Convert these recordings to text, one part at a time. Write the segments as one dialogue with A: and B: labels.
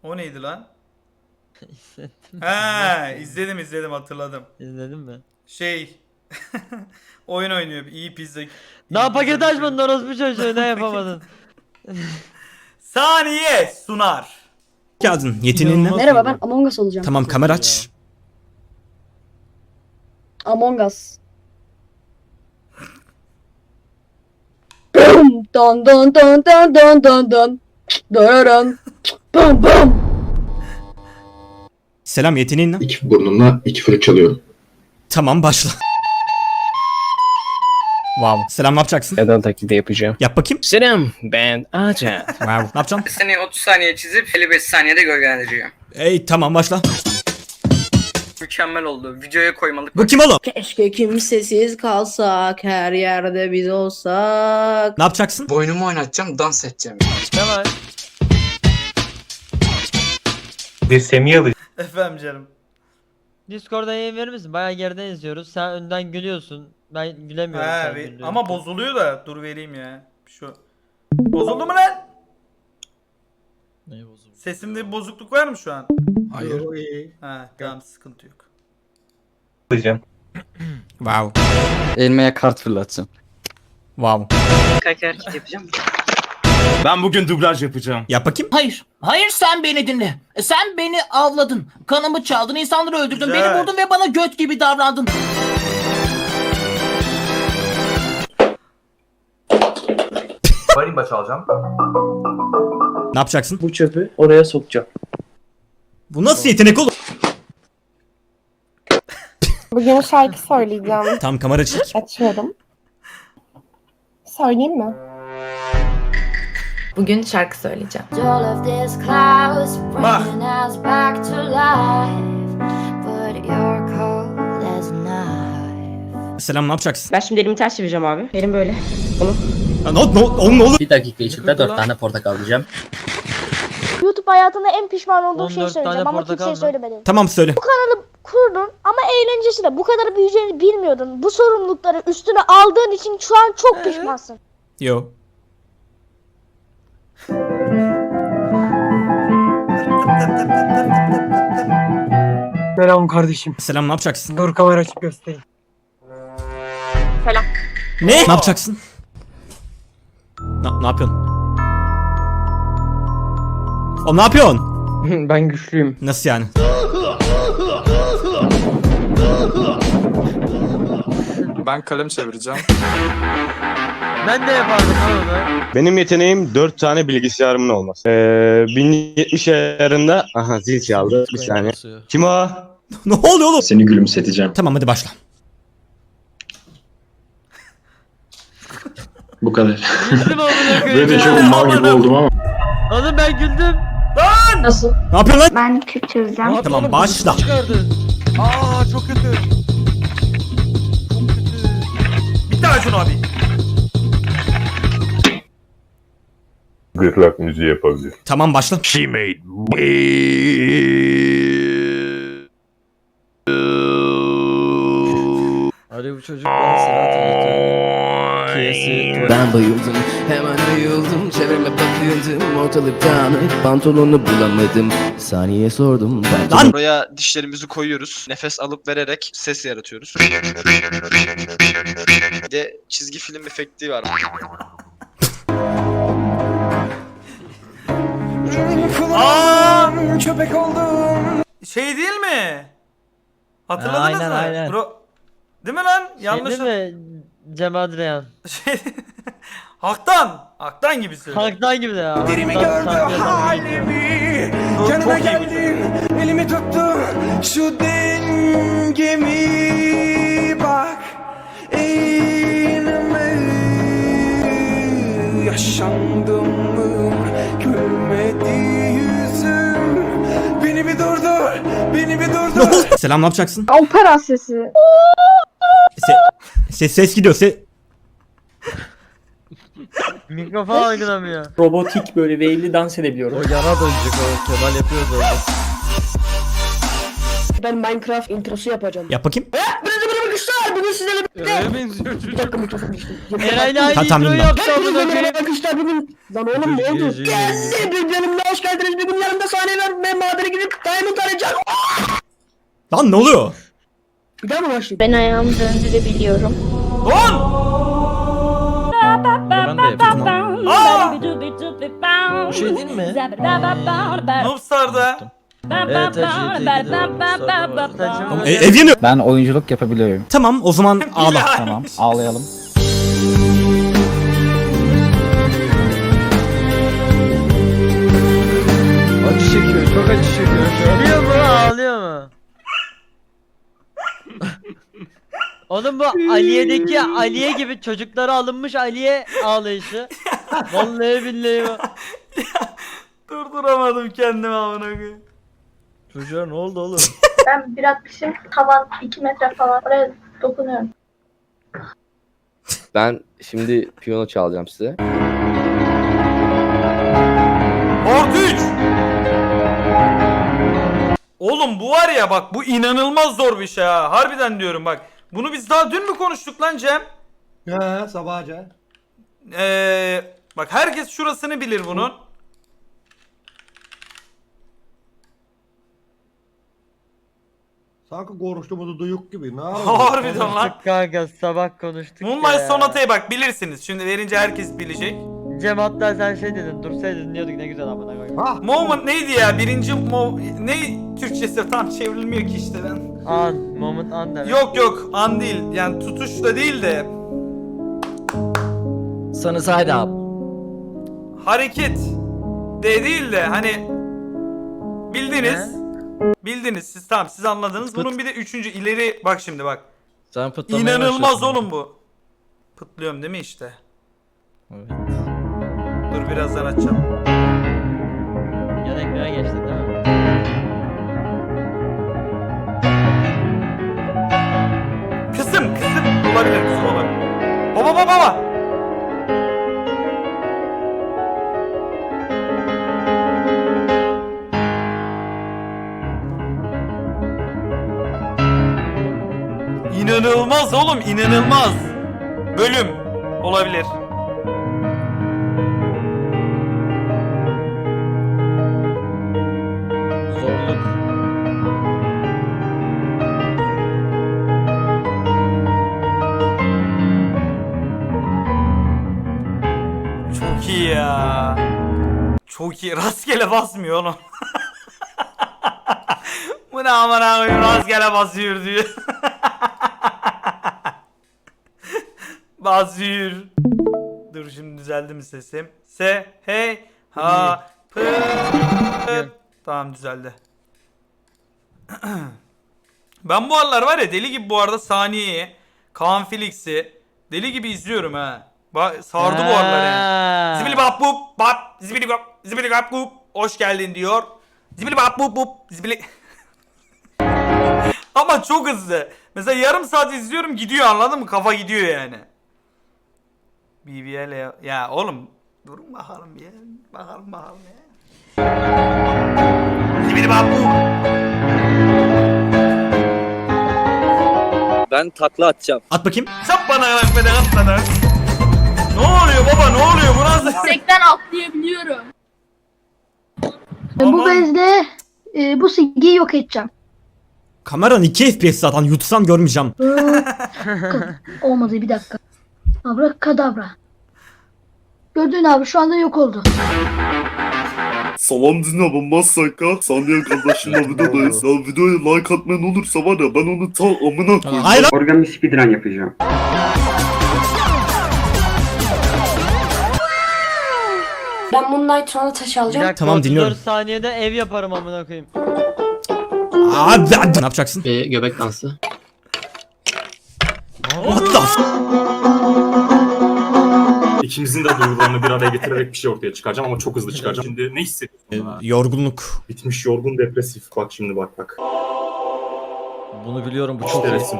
A: O neydi lan?
B: İzledim.
A: He, izledim hatırladım.
B: İzledin mi?
A: Şey oyun oynuyor. İyi pizza.
B: Daha paket açmadın orospu çocuğu, ne yapamadın?
A: Saniye sunar.
C: Geldin. Yeteneğin ne?
B: İnanılmaz
D: Merhaba,
B: iyi
D: ben
B: bak.
D: Among Us olacağım.
C: Tamam,
B: Çok
C: kamera
B: iyi
C: aç.
D: Among Us. Bum, don don don don don don don. Dararan. Bum bum.
C: Selam, yeteneğin ne?
E: İki burnumla iki flüt çalıyorum.
C: Tamam, başla. Wow. Selam, ne yapacaksın?
F: Neden taklidi yapacağım?
C: Yap bakayım.
F: Selam, ben Aca.
C: Wow. Ne yapacaksın?
G: Seni 30 saniye çizip 55 saniyede gölgelendiriyor.
C: Ey tamam, başla.
G: Mükemmel oldu. Videoya koymalık.
C: Bu kim oğlum?
H: Keşke kimsesiz kalsak, her yerde biz olsak.
C: Ne yapacaksın?
G: Boynumu oynatacağım, dans edeceğim.
B: Kemal.
A: Efendim canım.
B: Discord'a yayın verir misin? Bayağı geriden izliyoruz. Sen önden gülüyorsun. Ben gülemiyorum sen güldüğün
A: Ama
B: için.
A: bozuluyor da dur vereyim ya. Şu. Bozuldu mu lan?
B: Ne bozuldu?
A: Sesimde bir bozukluk var mı şu an?
E: Hayır.
A: Ha tamam, sıkıntı yok.
C: Wow.
I: Elmeye kart fırlatacağım.
C: Wow.
G: Kaç hareket yapacağım?
J: Ben bugün dublaj yapacağım.
C: Yap bakayım.
H: Hayır, hayır sen beni dinle. Sen beni avladın, kanımı çaldın, insanları öldürdün,
A: Güzel.
H: beni vurdun ve bana göt gibi davrandın.
J: Marimba çalacağım.
C: Ne yapacaksın?
F: Bu çöpü oraya sokacağım.
C: Bu nasıl yetenek oğlum?
K: Bugün şarkı söyleyeceğim.
C: Tam kamera çek.
K: Açıyorum. Söyleyeyim mi?
H: Bugün şarkı söyleyeceğim.
A: Bak.
C: Selam, ne yapacaksın?
H: Ben şimdi elimi ters çevireceğim abi. Elim böyle.
C: Oğlum ne olur?
I: Bir dakika içinde 4 tane portakal diyeceğim.
K: YouTube hayatında en pişman olduğum
B: 14
K: şeyi söyleyeceğim
B: tane
K: ama
B: portakal
K: kimseye
B: mı?
K: söylemedim.
C: Tamam, söyle.
K: Kurdun ama eğlencesi de bu kadar büyüyeceğini bilmiyordun. Bu sorumlulukları üstüne aldığın için şu an çok pişmansın.
C: Yo.
F: Selam kardeşim.
C: Selam, ne yapacaksın?
F: Dur kamera açıp göstereyim.
C: Ne? Ne yapacaksın? Ne yapıyorsun? O ne yapıyorsun?
F: Ben güçlüyüm.
C: Nasıl yani?
J: Ben kalem çevireceğim.
B: Ben de yapardım lan onu.
J: Benim yeteneğim 4 tane bilgisayarımın olması. 1070 ayarında... Aha zil çaldı. Bir saniye. Kim o?
C: Ne oluyor oğlum?
E: Seni gülümseteceğim.
C: Tamam, hadi başla.
E: Bu kadar.
B: Güldüm amına koyayım.
E: Böyle de
B: ya.
E: çok mal gibi oldum ama.
B: Oğlum ben güldüm.
D: Nasıl?
C: Ne yapıyorsun lan?
K: Ben Kürt çözeceğim.
C: Tamam, başla.
B: Çıkardı. Aa çok kötü. Çok kötü.
A: Bitti Acun abi.
J: Gırtlak müziği yapabilir.
C: Tamam, başla.
J: She made
B: Hadi bu çocuk bana sıra hatırlatıyor.
F: Ben bayıldım, hemen ayıldım. Çevreme bakıyordum, ortalık dağınık. Pantolonu bulamadım, saniye sordum.
C: Lan!
G: Buraya dişlerimizi koyuyoruz. Nefes alıp vererek ses yaratıyoruz. Bir de çizgi film efekti var.
A: Aa!
F: Köpek oldum.
A: Şey değil mi? Hatırladınız
B: Aynen,
A: mı?
B: aynen.
A: Değil mi lan? Yanlış.
B: Şey değil mi? Cem Adrian.
A: Şey... Haktan gibi söylüyor.
B: Halktan gibi de ya.
F: Derimi
B: Halktan
F: gördü
B: sanki adam gibi.
F: halimi.
A: Çok
F: Yanıma
A: iyi
F: geldin, elimi tuttu. Şu dengemi bak. Eğilme. Yaşandım mı? Gülmedi yüzüm. Beni bir durdur. Beni bir durdur.
C: Selam, ne yapacaksın?
K: Opera sesi.
C: Ses gidiyor.
B: Mikrofon algılamıyor.
F: Robotik böyle wave'li dans edebiliyorum.
B: O yana dönecek o. Kemal yapıyordu orada.
D: Ben Minecraft introsu yapacağım.
C: Yap bakayım.
D: Arkadaşlar bugün sizlerle birlikte.
F: benziyor çocuk.
D: Bir dakika mikrofonu düştü.
B: Eray'la aynı
C: Tamam,
B: intro
C: bilmem.
B: yaptı
D: Hepinize
B: amına
D: merhaba
B: koyayım.
D: arkadaşlar bugün. Lan oğlum ne oldu? Geldi bir bölümde hoş geldiniz. Bugün yanımda sahne var ve madene gidip Diamond arayacağım.
C: Lan ne oluyor?
D: Bir daha mı başlayayım?
K: Ben ayağımı döndürebiliyorum.
A: Don!
I: Ben de yapayım.
A: Aa!
B: Bu şey değil mi?
A: Noobstar'da.
B: Evet,
C: Ev yanıyor.
I: Ben oyunculuk yapabiliyorum.
C: Tamam o zaman ağla.
I: Tamam, ağlayalım.
B: Acı çekiyor, çok acı çekiyor. Ağlıyor mu? Ağlıyor mu? Oğlum bu Aliye'deki Aliye gibi çocuklara alınmış Aliye ağlayışı. Vallahi billahi bu.
A: Durduramadım kendimi amına koyayım.
B: Çocuğa ne oldu oğlum?
K: Ben bir atmışım. Tavan 2 metre falan. Oraya dokunuyorum.
I: Ben şimdi piyano çalacağım size.
A: Ordu 3. Oğlum bu var ya bak bu inanılmaz zor bir şey ha. Harbiden diyorum bak. Bunu biz daha dün mü konuştuk lan Cem?
F: He sabahca.
A: Bak herkes şurasını bilir bunun.
F: Sanki konuştuğumuzu duyuk gibi. Ne
A: Harbiden lan.
B: Konuştuk kanka sabah konuştuk
A: Moonlight
B: ya.
A: Sonata'ya bak bilirsiniz. Şimdi verince herkes bilecek.
B: Cem hatta sen şey dedin dursaydın dinliyorduk ne güzel amına koyayım.
A: Moment neydi ya? Birinci ne Türkçesi tam çevrilmiyor ki işte ben.
B: An, moment an demek.
A: Yok an değil. Yani tutuş da değil de
I: Sana side up.
A: hareket de değil de hani bildiniz. Bildiniz siz tamam siz anladınız. Bunun bir de üçüncü ileri bak şimdi bak.
I: Sen
A: İnanılmaz oğlum bu. Pıtlıyorum değil mi işte?
I: Evet.
A: Dur birazdan açacağım.
B: Yan ekrana geçtin değil mi?
A: Kısım olabilir kısım olabilir. Baba. İnanılmaz oğlum inanılmaz. Bölüm olabilir.
I: Zorluk.
A: Çok iyi ya. Çok iyi. Rastgele basmıyor oğlum. Bu ne aman koyayım rastgele basıyor diyor. Basıyor. Dur şimdi düzeldi mi sesim? Hey ha pı. Tamam düzeldi. Ben bu aralar var ya deli gibi bu arada Saniye'yi, Kaan Felix'i deli gibi izliyorum ha. Sardı bu aralar yani. Zibili bap bup bap zibili bap bup hoş geldin diyor. Zibili bap bup bup zibili. Ama çok hızlı. Mesela yarım saat izliyorum gidiyor anladın mı? Kafa gidiyor yani. BBL ya oğlum durun bakalım ya. Bakalım ya. Zibili bap bup.
I: Ben takla atacağım.
C: At bakayım.
A: Çap bana beni atmadan. Ne oluyor baba ne oluyor bu nasıl?
K: Yüksekten atlayabiliyorum.
A: Aman.
K: Bu bezle bu silgiyi yok edeceğim.
C: Kameran 2 FPS zaten yutsam görmeyeceğim.
K: Olmadı bir dakika. Abrakadabra. Gördün abi şu anda yok oldu.
E: Salam dinle ben Masaka. Saniye kardeşimle videodayız. Ya videoya like atmayan olursa var ya ben onu ta amına koyayım.
C: Hayır lan.
E: Organ bir speedrun yapacağım.
K: Ben Moonlight sonra taş
B: Bir dakika,
C: Tamam,
B: 34
C: dinliyorum.
B: saniyede ev yaparım amına koyayım.
C: Abi ne yapacaksın?
I: Göbek dansı.
C: What the f-
E: İkimizin de duygularını bir araya getirerek bir şey ortaya çıkaracağım ama çok hızlı çıkaracağım. Şimdi ne hissediyorsun?
C: Yorgunluk.
E: Bitmiş, yorgun, depresif. Bak şimdi bak.
I: Bunu biliyorum bu
E: İşte resim.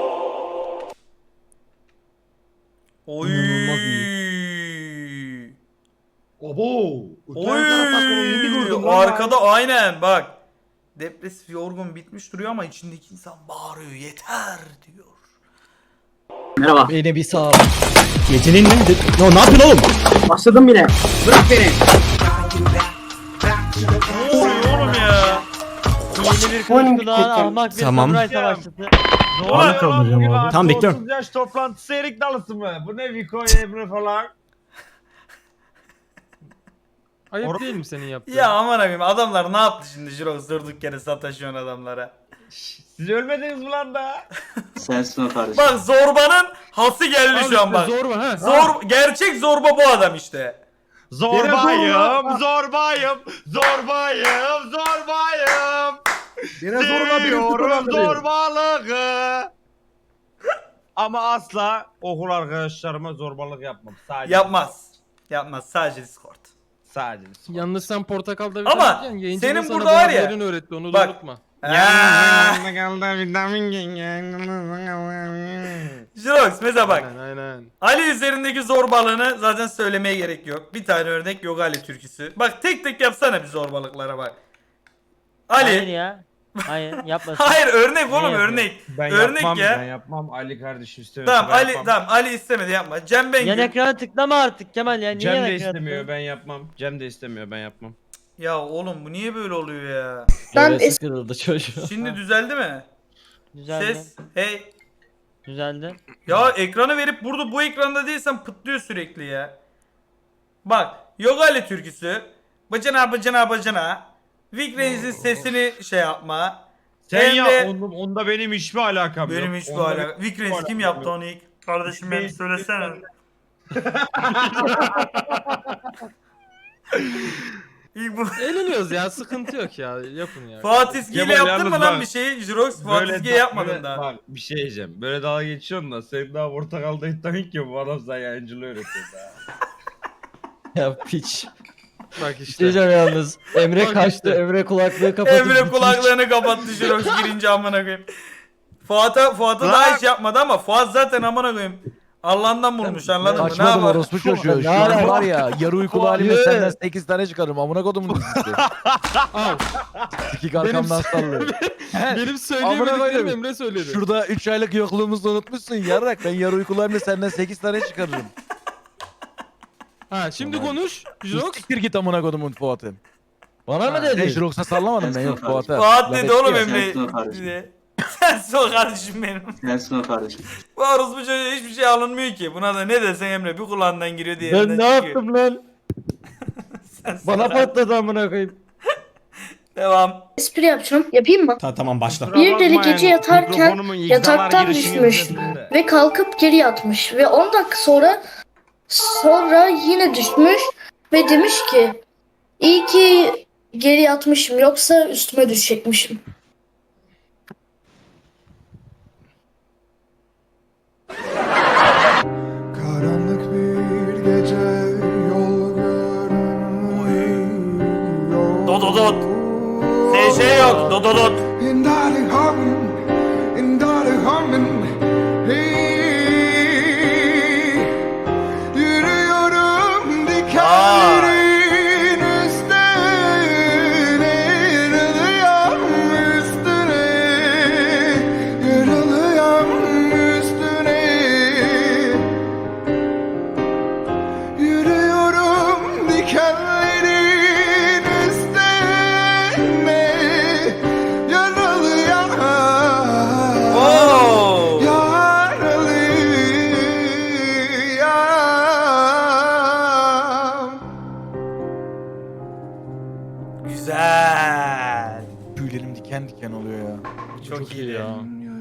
A: Oy.
B: İnanılmaz
F: Obo.
A: Oy. Arkada aynen bak. Depresif yorgun bitmiş duruyor ama içindeki insan bağırıyor yeter diyor.
D: Merhaba.
I: Beni bir sağ.
C: Yeteneğin ne? Ne yapıyorsun oğlum?
D: Başladım bile. Bırak beni.
A: Ne oluyor oğlum ya?
B: Yeni bir kılıç kulağın ahmak bir
C: Tamam.
B: samuray savaşçısı.
F: Ne oluyor lan bu gibi?
C: Tamam, bekliyorum.
F: 30 yaş toplantısı erik dalısı mı? Bu ne Viko Ebru falan?
I: Ayıp değil mi senin yaptığın?
A: Ya aman abim adamlar ne yaptı şimdi Jirox durduk yere sataşıyorsun adamlara.
F: Siz ölmediniz mi lan da?
D: Sensin o kardeşim.
A: Bak zorbanın hası geldi şu an bak.
I: Zorba ha.
A: Gerçek zorba bu adam işte.
F: Zorbayım, zorbayım, zorbayım, zorbayım. Yine zorla
E: Seviyorum
F: zorbalığı. Ama asla okul arkadaşlarıma zorbalık yapmam. Sadece
A: Yapmaz. Yapmaz sadece Discord.
F: Sadece.
I: Yalnız sen portakalda
A: Ama
I: vitamin yiyeceksin, yayıncının
A: senin
I: sana
A: burada var ya,
I: bazılarını öğretti onu da
A: bak-
I: unutma.
A: Jirox mesela bak.
I: Aynen.
A: Ali üzerindeki zorbalığını zaten söylemeye gerek yok. Bir tane örnek yok Ali türküsü. Bak tek tek yapsana bir zorbalıklara bak.
B: Hayır
A: Ali.
B: ya. Hayır yapmasın.
A: Hayır örnek oğlum
B: yapıyor?
A: örnek.
F: Ben
A: Örnek
F: yapmam,
A: ya.
F: ben yapmam. Ali kardeşim istemiyor.
A: Tamam Ali tamam Ali istemedi yapma. Cem Bengü.
B: Yan ekrana tıklama artık Kemal ya. Niye
F: Cem
B: yan
F: de
B: ekrana
F: istemiyor,
B: tıklıyorsun?
F: ben yapmam. Cem de istemiyor, ben yapmam.
A: Ya oğlum bu niye böyle oluyor ya?
I: Hevesi kırıldı çocuğu.
A: Şimdi düzeldi mi?
B: Düzeldi.
A: Ses. Hey.
B: Düzeldi.
A: Ya ekranı verip burada bu ekranda değilsen pıtlıyor sürekli ya. Bak yok Ali türküsü. Bacana bacana bacana. Vic Reis'in sesini şey yapma.
F: Sen
A: Hem de-
F: ya onda benim hiçbir alakam yok.
A: Benim hiç bu
F: Onda
A: alaka. Vic Reis kim yaptı onu ilk? Kardeşim beni söylesene. İlk bu.
I: Eğleniyoruz ya, sıkıntı yok ya. Yapın ya.
A: Fatih Ski ile
F: Kemal,
A: yaptın
F: yalnız
A: mı lan
F: bak,
A: bir şey? Jirox Fatih Ski'ye yapmadın daha.
F: Bak bir şey diyeceğim. Böyle dalga geçiyorsun da sen daha portakalda iddian ki bu adam sana yayıncılığı öğretiyor daha.
I: Ya piç. Bak işte.
B: Diyeceğim yalnız. Emre
I: Bak
B: kaçtı.
I: işte.
B: Emre kulaklığı kapatıp
A: Emre
B: gitmiş.
A: kulaklarını kapattı Jirox girince amına koyayım. Fuat'a daha hiç yapmadı ama Fuat zaten amına koyayım. Allah'ından bulmuş anladın mı? Ne yapar?
B: orospu çocuğu. Şu an var
I: ya yarı uykulu
B: halimle senden
I: 8 tane çıkarırım amına kodumun dizisi. Al.
B: Sikik
I: arkamdan sallıyor. Benim söyleyemediklerim Emre söyledi.
B: Şurada 3 aylık yokluğumuzu unutmuşsun yarrak. Ben yarı uykulu halimle senden 8 tane çıkarırım.
I: Ha şimdi konuş. Jirox.
B: Siktir git amına kodumun Fuat'ım. Bana mı dedin? Jirox'a sallamadım ben yok Fuat'a.
A: Fuat dedi oğlum
D: Sensin
A: Emre.
D: o kardeşim.
A: Bize. Sensin o kardeşim benim.
D: Sensin o kardeşim.
A: Bu orospu çocuğa hiçbir şey alınmıyor ki. Buna da ne desen Emre bir kulağından giriyor diğerinden
B: Ben
A: çıkıyor.
B: ne yaptım lan?
A: Sensin
B: Bana
A: o kardeşim.
B: patladı amına koyayım.
A: Devam.
K: Espri yapacağım. Yapayım mı?
C: Tamam başla.
K: Bir deli gece yatarken
F: Mikrofonumun igdalar
K: yataktan
F: girişinin
K: düşmüş
F: üzerinde.
K: ve kalkıp geri yatmış ve 10 dakika sonra yine düşmüş ve demiş ki iyi ki geri yatmışım yoksa üstüme düşecekmişim.
E: Karanlık bir gece yol görünmüyor.
A: Dododot. SŞ yok. Dododot.
E: In darling humming, in darling humming. Hey, yürüyorum dikenlerin üstüne, yaralıyorum üstüne, yaralıyorum üstüne. Yürüyorum dikenlerin üstüne, yaralıyam,
A: Oo.
E: yaralıyam.
A: Güzel.
B: Tüylerim diken diken oluyor ya.
A: Çok iyi ya.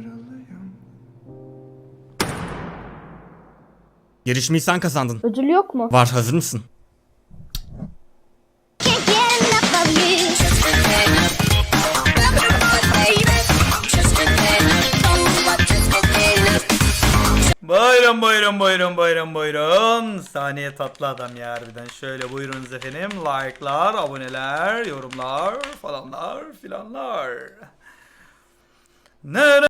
C: Yarışmayı sen kazandın.
K: Ödül yok mu?
C: Var, hazır mısın?
A: Buyurun buyurun buyurun buyurun buyurun. Saniye tatlı adam ya harbiden. Şöyle buyurunuz efendim. Like'lar, aboneler, yorumlar falanlar filanlar. Ne